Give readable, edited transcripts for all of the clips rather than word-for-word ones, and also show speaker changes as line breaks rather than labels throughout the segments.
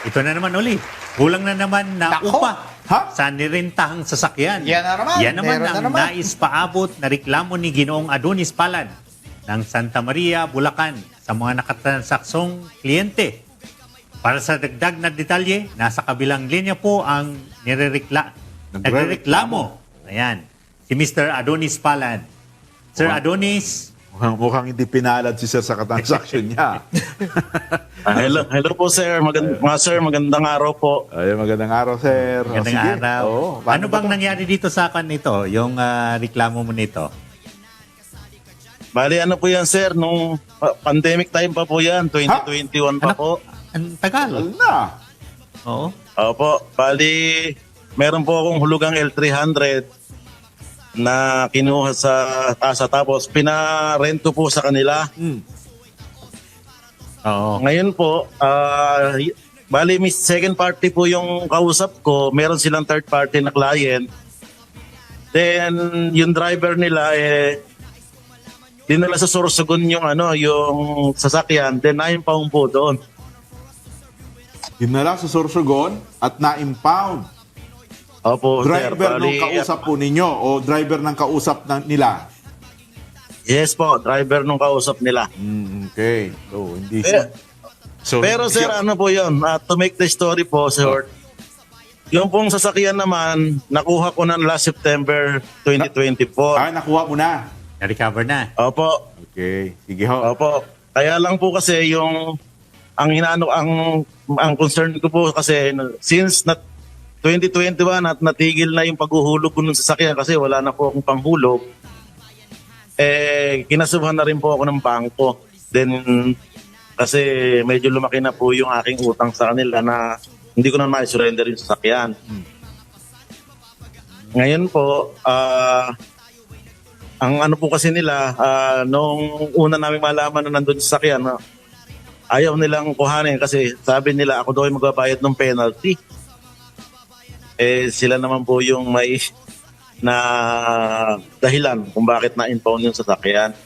Ito na naman ulit. Kulang na naman na
Nako!
upa
Ha?
sa nirentahang sasakyan.
Yan na naman.
Yan naman
Meron
ang
na naman.
nais paabot na reklamo ni Ginoong Adonis Palad ng Santa Maria, Bulacan sa mga nakatransaksong kliyente. Para sa dagdag na detalye, nasa kabilang linya po ang nagrereklamo. Ayan, si Mr. Adonis Palad. Sir
Wow.
Adonis,
Mukhang hindi pinalad si sir sa transaction niya.
Hello po sir. Magandang araw po.
Ay, magandang araw, sir.
magandang
Sige.
araw.
Oo,
Ano
paano
bang
ba to?
nangyari dito sa akin nito, yung reklamo mo nito?
Bali ano po yan sir, nung pandemic time pa po yan, 2021 pa
Anak,
po.
ang tagal.
Tagal na.
Oo.
Opo, bali meron po akong hulugang L300 na kinuha sa tasa tapos pinarent ko po sa kanila.
Oo.
Ngayon po, bali may second party po yung kausap ko, meron silang third party na client. Then yung driver nila dinala sa Sorsogon yung yung sasakyan, then na-impound po doon.
Dinala sa Sorsogon at na-impound.
Opo, sir.
Driver ng kausap po ninyo o driver ng kausap nila?
Yes po, driver nung kausap nila.
Okay. So, hindi
Eh,
So,
Pero sir, ano po yun, to make the story po, short, yung pong sasakyan naman, nakuha ko na last September 2024.
nakuha mo na.
Na-recover na.
Opo,
Okay. Sige ho.
opo. Kaya lang po kasi yung, ang concern ko po kasi, since 2021 at natigil na yung paghuhulog ko ng sasakyan kasi wala na po akong panghulog, kinasuhan na rin po ako ng bangko. Then, kasi medyo lumaki na po yung aking utang sa kanila na hindi ko na ma-surrender yung sasakyan. Ngayon po, ang ano po kasi nila, nung una namin malaman na nandun sa sasakyan, ayaw nilang kuhanin kasi sabi nila ako daw ay magbabayad ng penalty. Sila naman po yung may na dahilan kung bakit na-impound yung sasakyan.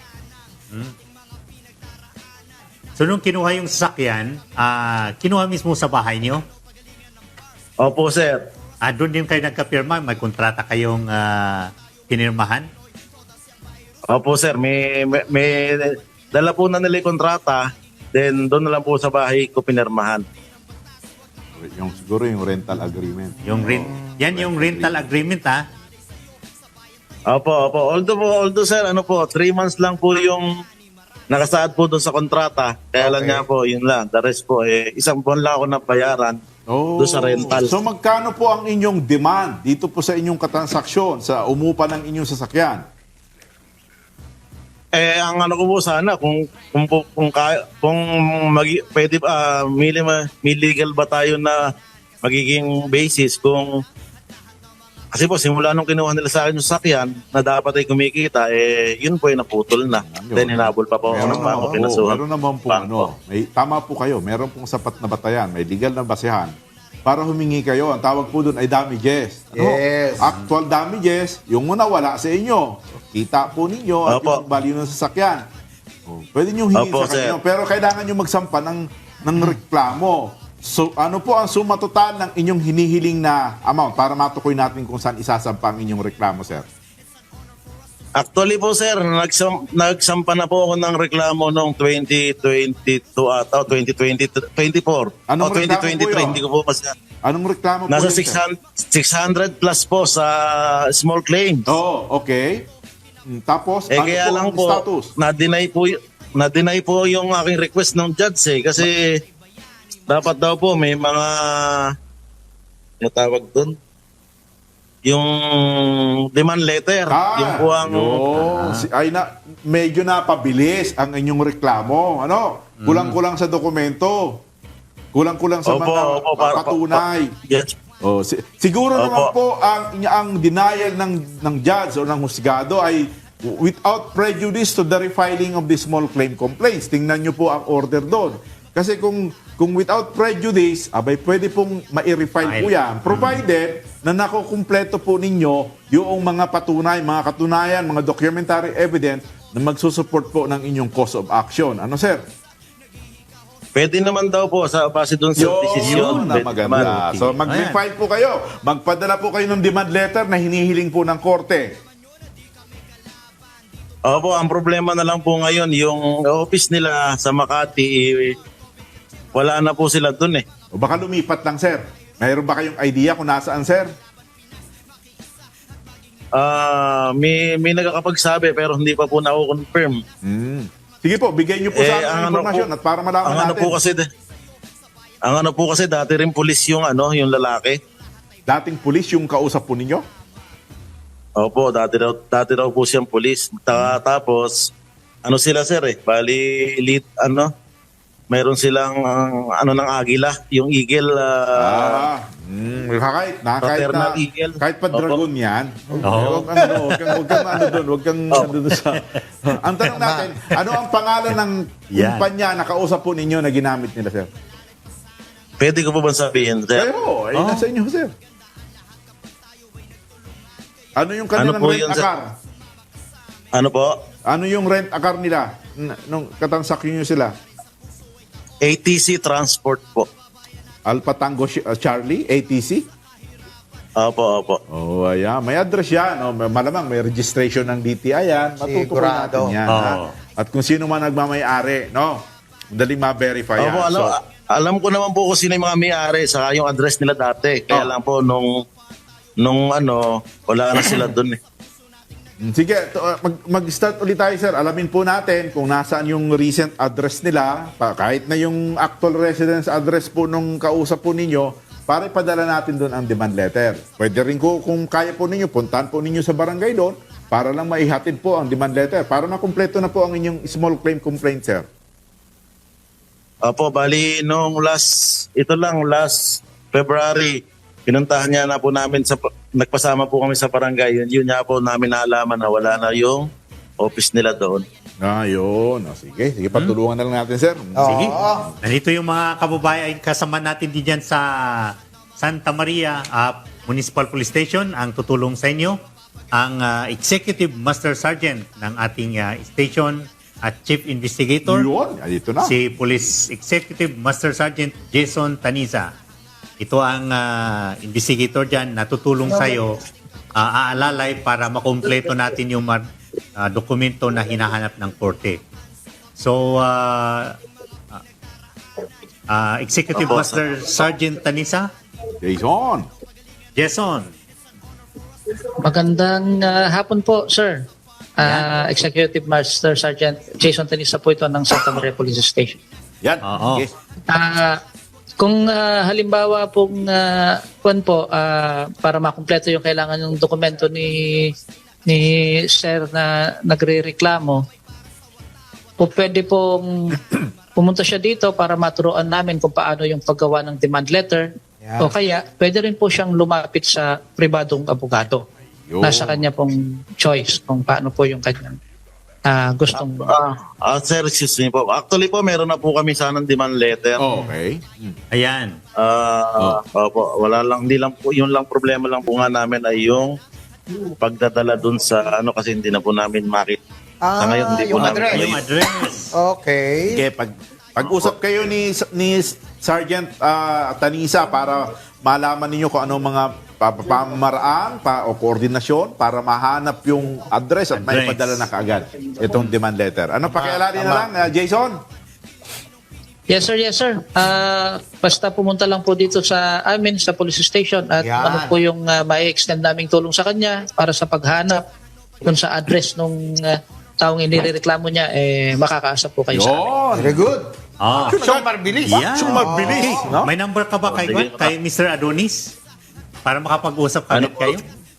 So, nung kinuha yung sasakyan, kinuha mismo sa bahay niyo?
Opo, sir.
Doon din kayo nagkapirma? May kontrata kayong pinirmahan?
Opo, sir. May dala po na nila yung kontrata, then doon na lang po sa bahay ko pinirmahan.
Siguro yung rental agreement.
Yan yung rental agreement, ha?
Opo. Although sir, 3 months lang po yung nakasaad po doon sa kontrata. Kaya lang
Okay.
nga po, yun lang. The rest po, isang buwan lang ako nabayaran doon sa rental.
So, magkano po ang inyong demand dito po sa inyong katransaksyon, sa umupa ng inyong sasakyan?
Ang ko po sana kung pwede may legal ba tayo na magiging basis kung kasi po simula nung kinuha nila sa akin yung sasakyan na dapat ay kumikita yun po ay naputol na. Then hinabol pa po ako ng bangko, pinasuhan.
Meron naman po
bangko.
tama po kayo, meron pong sapat na batayan, may legal na basehan para humingi kayo. Ang tawag po doon ay damages.
Yes.
Actual damages, yung nawala sa inyo. Kita po ninyo at
Opo.
yung value ng sasakyan. Pwede nyo hingin
Opo,
sa kanyo,
sir.
pero kailangan nyo magsampa ng reklamo. So, ano po ang suma total ng inyong hinihiling na amount para matukoy natin kung saan isasampa ang inyong reklamo, sir?
Actually po sir, nagsampa na po ako ng reklamo noong 2022 ata, 2024.
Anong
O
reklamo po
2023,
yun?
hindi ko po kasi.
Anong reklamo po
Nasa
yun, sir?
600 plus po sa small claims.
Oo, okay. Tapos, ano
Kaya
po
lang
ang
po,
status?
na-deny po yung aking request ng judge kasi dapat daw po may mga tawag doon yung demand letter. Yung po ang
medyo napabilis ang inyong reklamo. Kulang-kulang sa dokumento. Kulang-kulang sa mga patunay.
Yes.
Siguro
Opo.
naman po ang denial ng judge o ng husgado ay without prejudice to the refiling of the small claim complaints. Tingnan nyo po ang order doon. Kasi kung without prejudice, pwede pong ma-refile po yan. Provided na nakukumpleto po ninyo yung mga patunay, mga katunayan, mga documentary evidence na magsusupport po ng inyong cause of action. Ano, sir?
Pwede naman daw po sa base doon sa desisyon.
Yun na
Pwede naman.
maganda. So mag-file po kayo. Magpadala po kayo ng demand letter na hinihiling po ng korte.
Opo, ang problema na lang po ngayon, yung office nila sa Makati, wala na po sila doon eh.
O baka lumipat lang, sir. Mayroon ba kayong idea kung nasaan, sir?
May nagkakapagsabi pero hindi pa po na-confirm.
Sige po, bigay niyo po sa amin
ang
ang informasyon at para malaman
ang
natin.
ano po kasi dati rin pulis yung yung lalaki.
Dating pulis yung kausap po ninyo?
Opo, dati daw po siyang pulis. Tapos sila sir bali mayroon silang ng agila, yung eagle.
Fraternal
Eagle.
Kahit pa dragon yan.
Oo.
Huwag kang ano doon sa... Ang tanong natin, ano ang pangalan ng
Yan.
kumpanya na kausap po ninyo na ginamit nila, sir?
Pwede ko po ba sabihin, sir?
Kayo, nasa inyo, sir. Ano yung kanilang
Ano po
rent
yun, sir?
akar?
Ano po?
Ano yung rent akar nila? Nung katansak nyo sila?
ATC Transport po.
Alpha Tango Charlie, ATC?
Opo.
Oh, ayan. May address yan. Oh, malamang may registration ng DTI yan. Matutukoy
Sigurado.
natin yan.
Oo.
Ha? At kung sino man nagmamayari, no? Madaling ma-verify yan.
Opo, alam ko naman po kung sino yung mga may-ari saka yung address nila dati. Kaya lang po nung wala na sila doon eh.
Sige, mag-start ulit tayo, sir. Alamin po natin kung nasaan yung recent address nila, kahit na yung actual residence address po nung kausap po ninyo, para ipadala natin doon ang demand letter. Pwede rin kung kaya po ninyo, puntahan po ninyo sa barangay doon para lang maihatid po ang demand letter. Para makumpleto na po ang inyong small claim complaint, sir.
Opo, bali last February, pinuntahan niya na po namin nagpasama po kami sa barangay. Yun niya po namin naalaman na wala na yung office nila doon.
Yun. Sige, patulungan na lang natin, sir.
Sige. Nandito yung mga kababayan kasama natin diyan sa Santa Maria Municipal Police Station ang tutulong sa inyo. Ang Executive Master Sergeant ng ating station at Chief Investigator.
Yun, dito na.
Si Police Executive Master Sergeant Jason Taniza. Ito ang investigator dyan na tutulong sa iyo aalalay para makumpleto natin yung dokumento na hinahanap ng korte. So, Executive Master Sergeant Taniza. Jason.
Magandang hapon po, sir. Executive Master Sergeant Jason Tanisa po ito ng Santa Maria Police Station.
Yan.
Oo.
Yes.
Kung halimbawa pong para makumpleto yung kailangan ng dokumento ni sir na nagrereklamo, po pwede pong pumunta siya dito para maturuan namin kung paano yung paggawa ng demand letter.
Yeah.
O kaya, pwede rin po siyang lumapit sa pribadong abogado.
Yun.
Nasa kanya pong choice kung paano po yung kanyang gustong...
Sir, excuse me po. Actually po, meron na po kami sanang demand letter.
Okay.
Ayan.
Opo, wala lang, hindi lang po, yung lang problema lang po nga namin ay yung pagdadala dun sa kasi hindi na po namin makita. Sa ngayon, hindi po
yung
namin
address.
Yung address.
Okay.
Sige, pag-usap kayo ni Sergeant Tanisa para malaman ninyo kung ano mga pamamaraan o koordinasyon para mahanap yung address at maipadala na kaagad itong demand letter. Ano, pakialala na lang, Jason?
Yes, sir. Yes, sir. Basta pumunta lang po dito sa amin, sa police station at
Yan.
ano po yung mai-extend naming tulong sa kanya para sa paghanap dun sa address nung taong inireklamo niya, makakaasa po kayo sa amin.
Yun.
Very good.
So, mabilis.
Yan.
So, mabilis. No?
May number ka ba kay Mr. Adonis? Para makapag-usap
Ano
kagad
po?
kayo?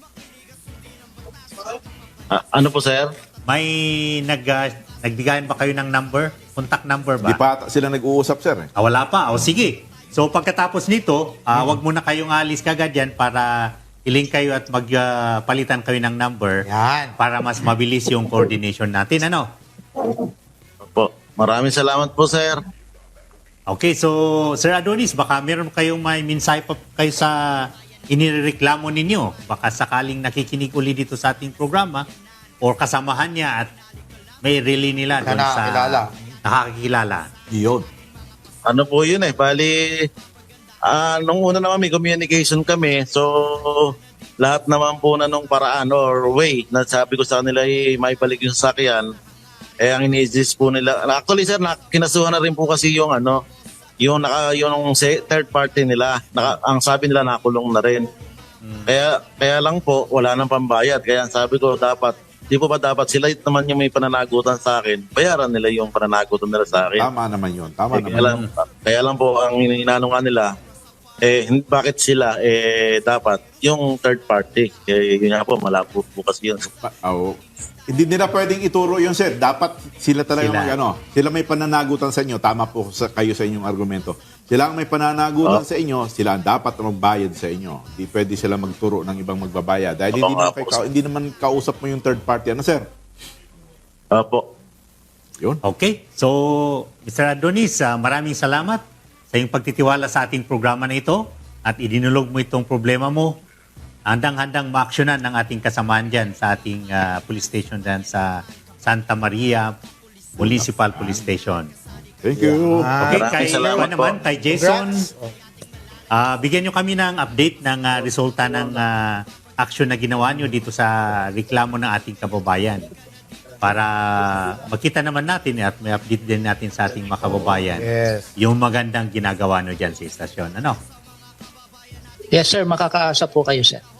Ano po, sir?
May nagbigayan ba kayo ng number? Contact number ba?
Di pa sila nag-uusap, sir.
Wala pa. O sige. So pagkatapos nito, wag muna kayong alis kagad yan para i-link kayo at magpalitan kayo ng number
Yan.
para mas mabilis yung coordination natin. Ano?
Po. Maraming salamat po, sir.
Okay, so Sir Adonis, baka meron kayong may mensahe pa kayo sa inireklamo ninyo. Baka sakaling nakikinig uli dito sa ating programa or kasamahan niya at may relay nila doon sa
nakakilala.
nakakilala.
Yun.
ano po yun bali, nung una naman may communication kami, so lahat naman po na nung paraan or way na sabi ko sa kanila may balik yung sasakyan, ang ini-exist po nila. Actually sir, kinasuhan na rin po kasi yung yung third party nila. Ang sabi nila nakulong na rin. Kaya lang po, wala nang pambayad. Kaya sabi ko, di po ba dapat sila naman yung may pananagutan sa akin, bayaran nila yung pananagutan nila sa akin.
Tama naman yun. Tama naman yun.
Kaya lang po, ang inano nga nila, bakit sila, dapat yung third party. Yun nga po, malabo po kasi yun.
Hindi nila pwedeng ituro yun, sir. Dapat sila talaga sila may pananagutan sa inyo. Tama po kayo sa inyong argumento. Sila ang may pananagutan sa inyo, sila ang dapat magbayad sa inyo. Hindi pwede sila magturo ng ibang magbabayad. Dahil hindi naman kausap mo yung third party. Ano, sir?
Opo.
Yun.
Okay. So, Mr. Adonis, maraming salamat sa iyong pagtitiwala sa ating programa na ito at idinulog mo itong problema mo. Handang-handang maaksyonan ng ating kasamaan dyan sa ating police station dyan sa Santa Maria Municipal Police Station.
Thank you.
Okay,
Maraming salamat
kay Jason, bigyan nyo kami ng update ng resulta ng aksyon na ginawa nyo dito sa reklamo ng ating kababayan para makita naman natin at may update din natin sa ating mga kababayan yung magandang ginagawa nyo dyan sa istasyon. Ano?
Yes sir, makakaasa po kayo sir.